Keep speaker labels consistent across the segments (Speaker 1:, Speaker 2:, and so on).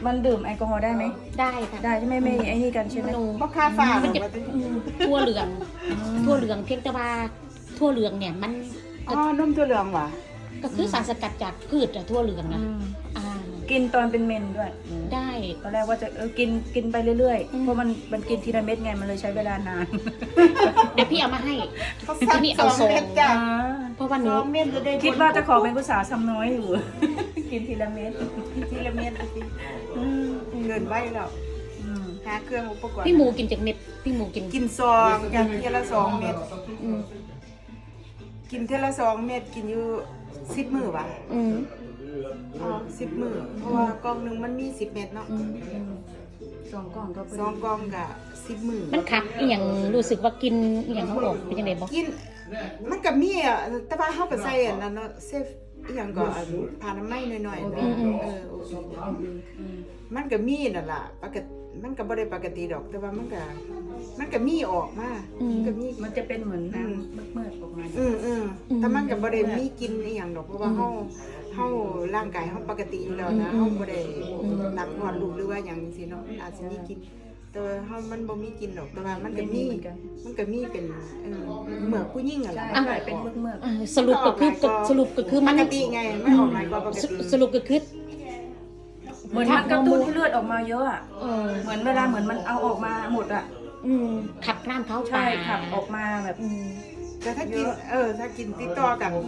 Speaker 1: มันดื่มแอลกอฮอล์ได้ไหม
Speaker 2: ได้ค่ะ
Speaker 1: ได้ใช่ไหมไม่ไอ้นี่กันใช่ไหม
Speaker 3: บ่ค่าฝา
Speaker 2: มันจะ
Speaker 3: ว่าแต่
Speaker 2: ทั่วเหลืองทั่วเหลืองเพียงแต่ว่าทั่วเหลืองเนี่ยมัน
Speaker 3: อ๋อนมถั่วเหลืองว่ะ
Speaker 2: ก็คือสารสกัดจากพืชอะทั่วเหลืองนะอ่า
Speaker 1: กินตอนเป็นเมนด้วย
Speaker 2: ได้
Speaker 1: ตอนแรกว่าจะกินไปเรื่อย
Speaker 2: อื
Speaker 1: ๆ
Speaker 2: ม
Speaker 1: เพราะมันกินทีละเม็ดไงมันเลยใช้เวลานาน
Speaker 2: เดี๋ยวพี่เอามาให้
Speaker 3: เขาสั่ง
Speaker 2: นี่เอาส่ง
Speaker 3: 2 เม็ดจ้ะ
Speaker 2: เพราะว่าหนู
Speaker 3: 2 เม็ดจะได้
Speaker 1: คิดว่าจะขอเป็นภาษาซ้ำน้อยอยู่ กินทีละเม็ด
Speaker 3: ทีละเม็ดสิเกินไว้แล้วหาเครื่องอุปกรณ์
Speaker 2: พี่หมูกินจากเม็ดพี่หมูกิน
Speaker 3: กินซองอย่างเทียละ2 เม็ด
Speaker 2: อืม
Speaker 3: กินเทียละ2 เม็ดกินอยู่10 มื้อว่ะ
Speaker 2: อืม
Speaker 3: อ๋อ10 มื้อเพราะว่ากล่องหนึงมันมี10 เม็ดเนาะ
Speaker 2: อืม
Speaker 1: สองกล่องก็พอ
Speaker 3: สอง
Speaker 1: ดี
Speaker 3: กล่องก็10 มื้อ
Speaker 2: มันคักอีหยังรู้สึกว่ากินอีหยังเขาออกเป็นยังไงบ่
Speaker 3: กินมันก็มีอ่ะแต่ว่าเฮาก็ใส่อันนั้นเนาะเซฟอีหยังก็อันผ่านน้ำไม้หน่อยๆเนาะโอเคมันก็มีนั่นล่ะปกติมันก็บ่ได้ปกติดอก แต่ว่ามันก็มีออกมามันก็มี
Speaker 1: มันจะเป็นเหมือนน้ำเมื่อๆออกมา
Speaker 3: แต่มันก็บ่ได้มีกินอีหยังดอกเพราะว่าเฮาร่างกายเฮาปกติอยู่แล้วนะเฮาบ่ได้หนักหอดลูกหรือว่าหยังจังซี่เนาะอาจสิมีกินแต่ว่าเฮามันบ่มีกินดอกแต่ว่ามันก็มีเป็นเหมือกผู้หญิงอ่ะล่ะ
Speaker 1: ใช่เป็นเมื่อ
Speaker 2: อ่าสรุปก็คือ
Speaker 3: ป
Speaker 2: มัน
Speaker 3: กติไงไม่ออกหลายกว่าปกติ
Speaker 2: สรุปก็คือ
Speaker 1: ๆเหมือนมันกระตุ้นให้เลือดออกมาเยอะอ่ะเหมือนเวลาเหมือนมันเอาออกมาหมดอ่ะ
Speaker 2: ขับน้ำเข้า
Speaker 1: ใช่
Speaker 2: ปาก
Speaker 1: ขับออกมาแบบ
Speaker 3: แต่ถ้ากินถ้ากินติดต่อกันไป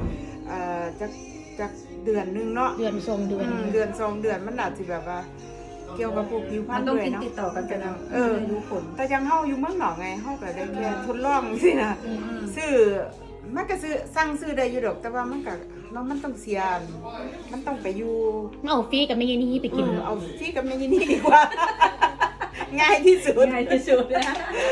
Speaker 3: จากเดือนนึงเนาะ
Speaker 2: เดือนทรงเดือน
Speaker 3: เดือน2 เดือนมันอาจสิแบบว่า เกี่ยวกับพวกผิวพร
Speaker 1: มั
Speaker 3: ร
Speaker 1: น
Speaker 3: ณ
Speaker 1: ต้อง
Speaker 3: ด้วย
Speaker 1: กิน
Speaker 3: เนาะ
Speaker 1: ติดต่อกันไปนะ รู้ผล
Speaker 3: แต่ยังเฮาอยู่เมืองนอกไงเฮาก็ได้แค่ทดลองสินะซื้อมันก็สั่งซื้อได้อยู่ดอกแต่ว่ามันก็เนาะมันต้องเสียมันต้องไปอยู่
Speaker 2: เอาฟรีกับแม่ยายนี่ไปกิน
Speaker 3: เอาฟรีกับแม่นี่ดีกว่า ง่ายที่สุด
Speaker 1: ง่ายที่สุดนะ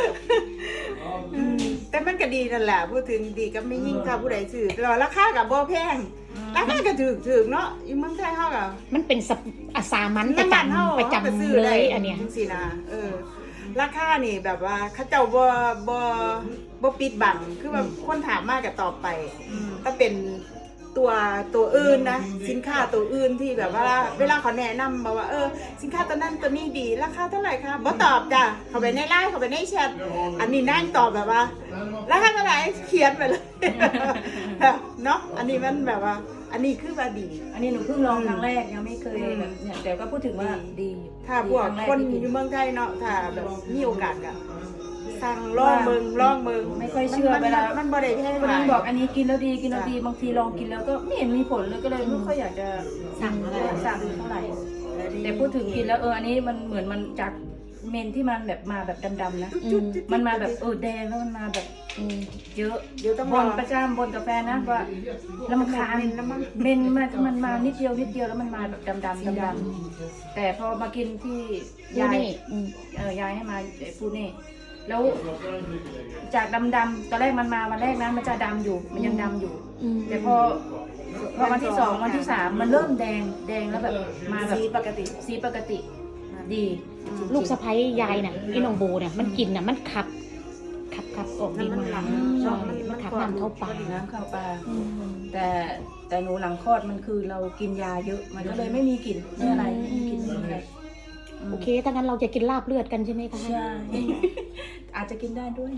Speaker 3: แต่มันก็ดีนั่นแหละพูดถึงดีก็ไม่ยิ่งถ้าผู้ใดซื้อแล้วราคาก็บ่แพงราคาก็ถูกเนาะอยู่เมืองไทยเฮาก็
Speaker 2: มันเป็นอาสามันประ
Speaker 3: น้ำมันเฮา
Speaker 2: จำประจำ
Speaker 3: ซื้อ
Speaker 2: เล
Speaker 3: ได้
Speaker 2: ยอันเนี้ย
Speaker 3: จังซี่นะราคานี่แบบว่าเขาเจ้าบ่ปิดบังคือว่าคนถามมากก็ตอบไปถ้าเป็นตัวอื่นนะสินค้าตัวอื่นที่แบบว่าเวลาเขาแนะนำบอกว่าสินค้าตัวนั้นตัวนี้ดีราคาเท่าไหร่คะบ่ตอบจ้ะเขาไปในไลน์เขาไปในแชทอันนี้นั่งตอบแบบว่าราคาเท่าไหร่เขียนไปเลย แบบเนาะอันนี้มันแบบว่า อันนี้คือว่าดี
Speaker 1: อันนี้หนูเพิ่งลองครั้งแรกยังไม่เคยแบบเนี่ยแต่ก็พูดถึงว่าดีอยู่
Speaker 3: ถ้าพวกคนอยู่เมืองไทยเนาะถ้าแบบมีโอกาสก็สั่งลองเมือง
Speaker 1: ไม่ค่อยเชื่อเวลา
Speaker 3: มันบ่ได้แพง
Speaker 1: คน
Speaker 3: หลา
Speaker 1: นึ
Speaker 3: ย
Speaker 1: งบอกอันนี้กินแล้วดีบางทีลองกินแล้วก็ไม่เห็นมีผลเลยก็เลยไม่ค่อยอยากจะสั่งเท่าไหร่แต่พูดถึงกินแล้วอันนี้มันเหมือนมันจากเมนที่มันแบบมาแบบดำๆนะมันมาแบบแดงแล้วมันมาแบบเยอะ
Speaker 3: เดี๋ยวต้อง
Speaker 1: บ
Speaker 3: รอน
Speaker 1: ประจำบนกาแฟนะว่าแล้วมันคานเมนมันมานิดเดียวแล้วมันมาแบบดำๆแต่พอมากินที่ยายยายให้มาฟูเน่แล้วจากดำๆตอนแรกมันมาวันแรกนะมันจะดำอยู่มันยังดำอยู่แต่พอวันที่2วันที่3มันเริ่มแดงแล้วแบบมาแบบสีปกติดี
Speaker 2: ลูกสะใภ้ยายน่ะอีน้องโบเนี่ยมันกินน่ะมันขับออกดีมากใช่มันขับน้ำเข้าปาก
Speaker 1: น้ำเข้าปากแต่หนูหลังคลอดมันคือเรากินยาเยอะมันก็เลยไม่มีกลิ่นไม่อะไรไม่มีกลิ่นอะไร
Speaker 2: โอเคถ้างั้นเราจะกินลาบเลือดกันใช่ไหมคะ
Speaker 1: ใช่ อาจจะกินได้ด้วย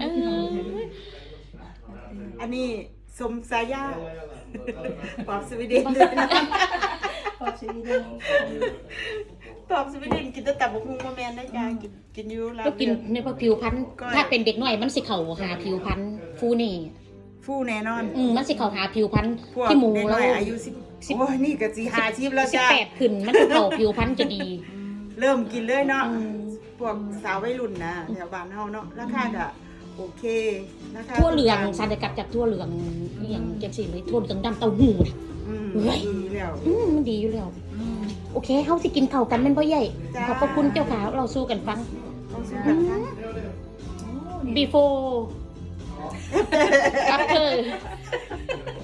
Speaker 3: อันนี้สมสายาปอบสวีเดน
Speaker 1: ขอบชีวิตด้วย
Speaker 3: ปอบสวีเดนกินแต่ตับกหุ่งบ่แม่นได้จ้ากินอยู่ลา
Speaker 2: ก็กิน
Speaker 3: เลือด
Speaker 2: ในผิวพันธุ์ถ้าเป็นเด็กน้อยมันสิเข่าหาผิวพันธุ์ฟูนี่
Speaker 3: ฟูแน่นอน
Speaker 2: มันสิเข่าหาผิวพันธุ์
Speaker 3: พวก
Speaker 2: ที่หมู
Speaker 3: เด็ก
Speaker 2: แล้
Speaker 3: น้
Speaker 2: ว
Speaker 3: อยอายุ10โอ้ยนี่ก็สิ50แล้วจ้า
Speaker 2: 18ขึ้นมันสิเข่าผิวพันธุ์จะดี
Speaker 3: เริ่มกินเลยเนาะพวกสาววัยรุ่นนะแถวบ้านเฮาเนาะราคาก็โอเคราคา
Speaker 2: ทั่วเหลืองสารสกัดจากทั่วเหลืองนี่อย่างเจ็บสิเลยทั่วเหลืองดำเต้าหู้นะ
Speaker 3: ดีแล้ว
Speaker 2: มันดีอยู่แล้วโอเคเฮาสิกินข้าวกันแม่นบ่ใหญ่
Speaker 3: จ้า
Speaker 2: ขอบพระคุณเจ้าขาเราสู้กันฟัง
Speaker 3: ต้องซื้อกันค่ะ
Speaker 2: before after